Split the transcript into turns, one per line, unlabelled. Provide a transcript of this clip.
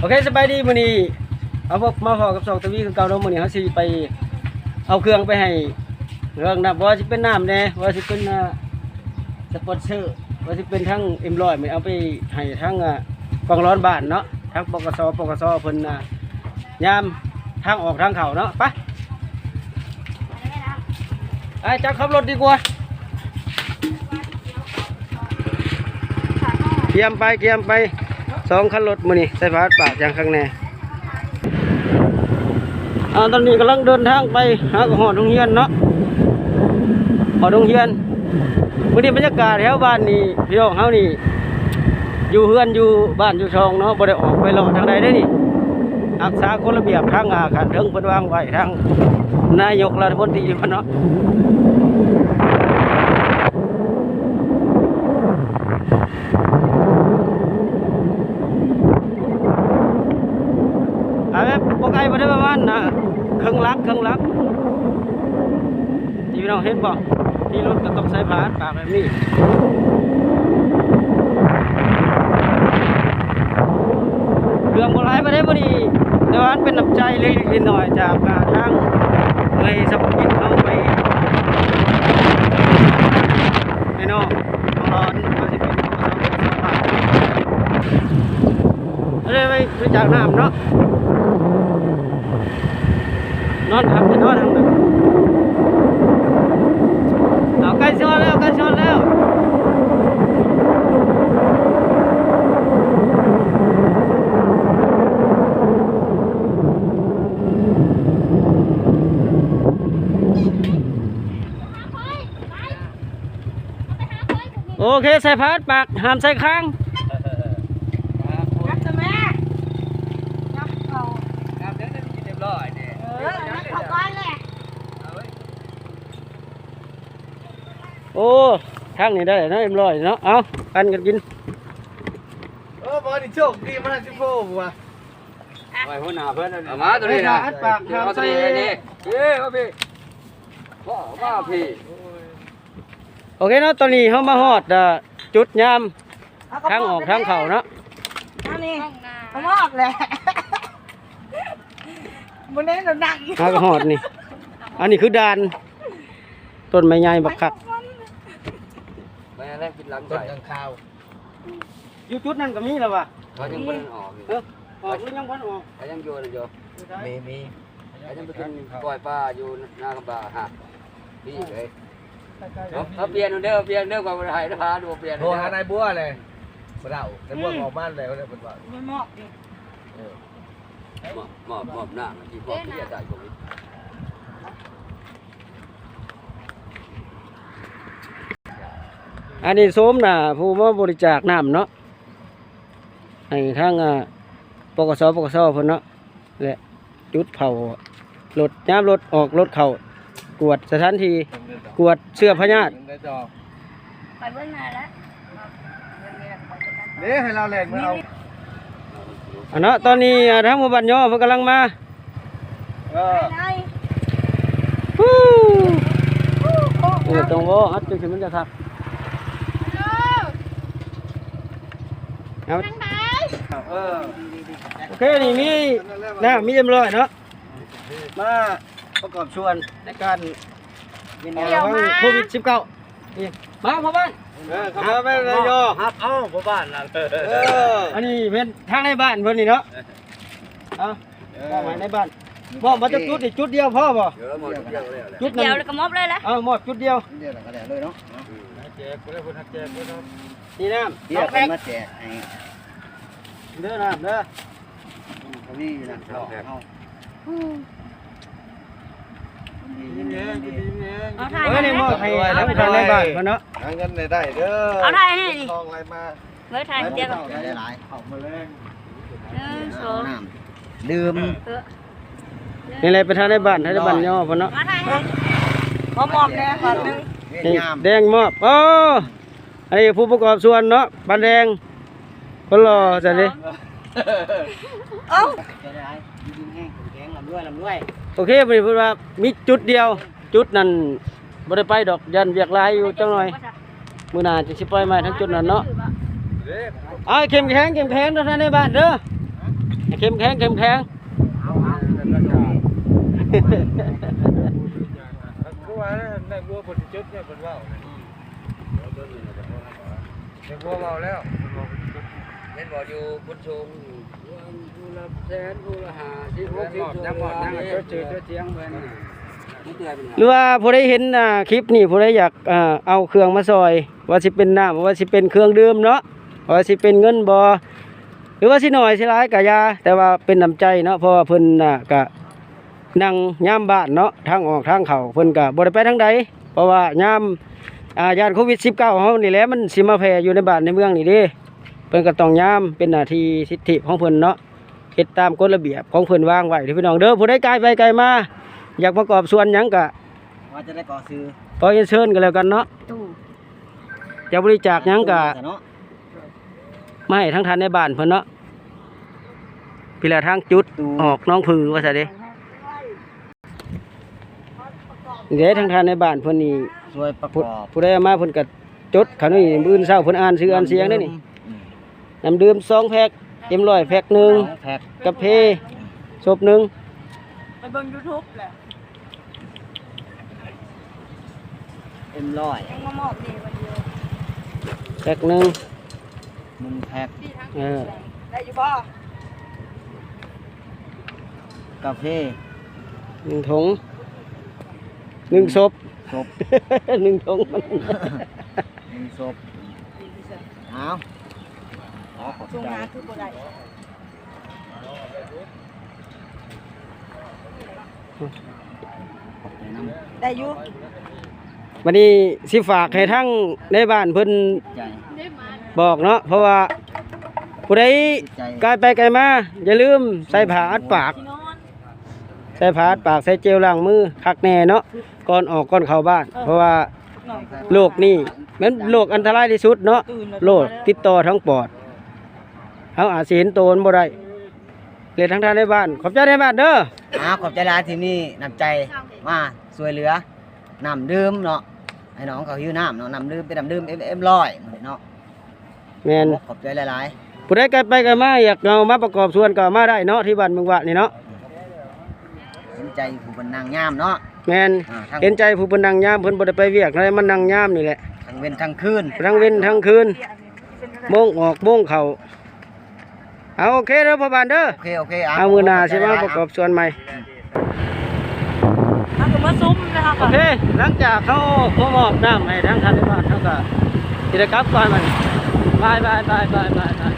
เคสบายดีมื้อนี้เอาพวกมาพอกับสองทวีคือเก่าเนาะมื้อนี้เฮาสิไปเอาเครื่องไปให้เรื่องนะบ่ว่าสิเป็นน้ำแน่ว่าสิเป็นสปอนเซอร์ว่าสิเป็นทั้งM100มื้อเอาไปให้ทั้งกองร้อนบ้านเนาะทั้งปกสเพิ่นยามทางออกทางเข้าเนาะไปจักขับรถดีกว่าเกียมไป2คันรถมื้อนี้ใส่ฟ้าปากอย่างข้างในตอนนี้กำลังเดินทางไปหาหอดโรงเรียนเนาะหอดโรงเรียนมื้อนี้บรรยากาศแถวบ้านนี่พี่น้องเฮานี่อยู่เฮือนอยู่บ้านอยู่ช่องเนาะบ่ได้ออกไปเลาะทางใดได้นี่รักษากฎระเบียบทางขันเทิงเพิ่นวางไว้ทางนายกรัฐมนตรีเพิ่นเนาะแบบพวกไอ้มาได้ประมาณเครื่องลักที่พี่น้องเห็นบ่ที่รถก็ต้องใช้ผ่านปากแบบนี้เครื่องโบราณมาได้พอดีแต่ว่าเป็นน้ำใจเล็กๆน้อยๆจากทางในสมุทรเข้าไปไม่นอกร้อนก็จะเป็นอะไรไปจากน้ำเนาะนอนทำจะนอนทำแบบเอาใกล้ชนแล้วโอเคใส่พาดปากห้ามใส่ข้างโอ้ทางนี้ได้นะM100เนาะเอากันกิน
บอลนี่โชคดีมากที่พ่อบัว
ไว้หัวหน้าเพื่อน
เอามาตัวนี้นะ
ปากทางใส่นี่
ว่าพี่ว่าพี่
โอเคเนาะตอนนี้เขามาฮอดจุดยามทางออกทางเข่าเนาะ
นี่เขามอกเลยบนนี้เราดัง
มาก็ฮอดนี่อันนี้คือด่านต้นไม้ใหญ่บักคัก
ไปอะไรกินหลังต้นข้าว
อยู่จุดนั้นก็มีแล้ววะ
เขายังไม่ออก
ออกหรือยังพันออก
เขายังอยู่มีเขายังไปกินปล่อยปลาอยู่หน้ากระบะฮะนี่เลยเขาเปลี่ยนเด้อกับไทยนะพาดูเปลี่ยนโทรหานายบัวเลยมาเดาในบัวออกบ้านเลยเขาเนี่ยเป็นว่า
ไม่มอกดิ
หมอบหน้าที่พ่อที่จะจ่ายผม
อันนี้โสมนะผู้มาบริจาคน้ำเนาะให้ทางปกสเพิ่นเนาะและจุดเผารถย้ำรถออกรถเข่ากวดสถานที่กวดเสื้อพญาติ
ไปเบื้องหน้าแล้ว
นี่ให้เราแหลกมาเอา
เนาะตอนนี้ทางหมู่บ้านย่อเพิ่นกำลังมาตรงว่าอัดจุดมันจะทักโอเคนี่มีM100เนาะมาประกอบชวนในการโควิด19นี่มาพ่อบ้าน
ครับไปเลยโยครับพ่อบ้านล่ะ
อันนี้เป็นทางในบ้านเพิ่นนี่เนาะมอบไว้ในบ้านมอบมาจะจุดอีกจุดเดียวพ่อบ่
จุดเดียวแล้วก็มอบเลยละ
มอบจุดเดียว
ก็ได้เลยเนาะ
แจกไปเลยเพิ่นแจกเลยนี่น้ำ
เดี๋ยวเพิ่นมาแจกให้
เด้อน้ำเด้อ
นี่นะเอา
นี่มอบให้ทั้งทางในบ้านเพิ่นเนาะ
หาเงินได้เด้อ
เอาไทยให้ดิ
ทองอะไรมา
เมื่อไทยเดียวกัน
ได้หลายเอามาแรง
ดื่ม
นี่อะไรไปทางในบ้านย่อเพิ่นเนาะ
มาไทยให้มอบแน่ก่อนนึง
แดงมอบอันนี้ผู้ประกอบส่วนเนาะบ้านแดงคนรอจังดิโอเคบ่ได้พูดว่ามีจุดเดียวจุดนั้นบ่ได้ไปดอกยันเวียกหลายอยู่จังหน่อยมื้อหน้าจะสิปล่อยไม้ทั้งจุดนั้นเนาะเข้มแข็งเด้อท่านในบ้านเด้อเข้มแข็งเข้มแข็ง
คือว่าในบัวบนจุดเนี่ยบนว่าวในบัวว่าวแล้ว
เล่นบอลอยู่บนชงผู้ละแสนผู้ละ50 60ยังเจอเจียงเพิ่นนี่เตือนเป็น
หรือว่าผู้ใดเห็นคลิปนี่ผู้ใดอยากเอาเครื่องมาซอย ว่าสิเป็นน้ำว่าสิเป็นเครื่องดื่มเนาะว่าสิเป็นเงินบ่หรือว่าสิน้อยสิหลายก็อย่าแต่ว่าเป็นน้ำใจเนาะเพราะว่าเพิ่นก็นั่งยามบ้านเนาะทางออกทางเข้าเพิ่นก็บ่ได้ไปทางใดเพราะว่ายามยานโควิด19เฮานี่แหละมันสิมาแพร่อยู่ในบ้านในเมืองนี่เด้เพิ่นก็ต้องยามเป็นหน้าที่สิทธิของเพิ่นเนาะเฮ็ดตามกฎระเบียบของเพิ่นวางไว้เด้อพี่น้องเด้อผู้ใดไกลไปไกลมาอยากประกอบส่วนหยังก็
ว่าจะได้ก่อซื้อ
ขอเชิญกันแล้วกันเนาะ
ตู้
จะบริจาคหยังก็
เนาะ
มาให้ทั้งทันในบ้านเพิ่นเนาะพี่ละทางจุดออกน้องผือว่าซะเด้เดี๋ยวทั้งทันในบ้านเพิ่นนี่
ช่วยประกอบ
ผู้ใดเอามาเพิ่นก็จดเขานี่มื้ออื่นเช้าเพิ่นอ่านชื่ออ่านเสียงได้นี่น้ำดื่ม2แพ็คเต็ม100แพ็คหนึง
แพ็ค
กาแฟศพหนึง
ไปเบิ่ง YouTube แหละ
เอ็มร้อย
ยังมามอบนี่วันเดียว
แพ็คหนึง
1แพ็ค
เออ
ได้อยู่บ่
กาแฟ
1ถุง1ศพ
ศพ
1ถุงมัน
1ศพเอาขอบ
ช่วง
ใจ
หาคือบ่ได้
ขอบใจน้ำ
ได้อยู่
วันนี้สิฝากให้ทั้งในบ้านเพิ่น
ใจ
บอกเนาะเพราะว่าผู้ใด
ใจ
ไกลไปไกลมาอย่าลืมใส่ผ้าอัดปาก
ที่นอน
ใส่ผ้าอัดปากใส่เจลล้างมือคักแน่เนาะก่อนออกก่อนเข้าบ้าน เพราะว่า
หน่อย
โรคนี่มันโรคอันตรายที่สุดเนาะ
ตื่นแล้ว
โรคติดต่อทั้งปอดเฮาอาจสิเห็นโตนบ่ได้เลยทั้งท่านในบ้านขอบใจในบ้านเด้อ
ขอบใจหลายที่นี่น้ำใจมาช่วยเหลือน้ำดื่มเนาะให้น้องเขาหิวน้ำเนาะน้ำดื่มเป็นน้ำดื่มเอ็มร้อยเนาะ
แม่น
ขอบใจหลาย
ผู้ใดไกลไปไกลมาอยากเอามาประกอบส่วนก็เอามาได้เนาะที่บ้านเมืองวะนี่เนาะ
ๆเห็นใจผู้เป็นนางงามเนาะ
แม่น
ทั้ง
เห็นใจผู้เพิ่นนั่งยามเพิ่นบ่ได้ไปเวียกอะไรมันนั่งยามนี่แหละ
ทั้งเว้นทั้งคืน
ทั้งเว้นทั้งคืนโมงออกโมงเข้าเอาโอเคเด้อพ่อบ้านเด้อ
โอเค
เอามือหน้าสิมาประกอบส่วนใหม่
ถ้าคือมาซุ้มนะคะ
โอเคหลังจากเขามอบน้ำให้ทั้งท่านในบ้านเขาก็กิจกรรมก่อนมันบาย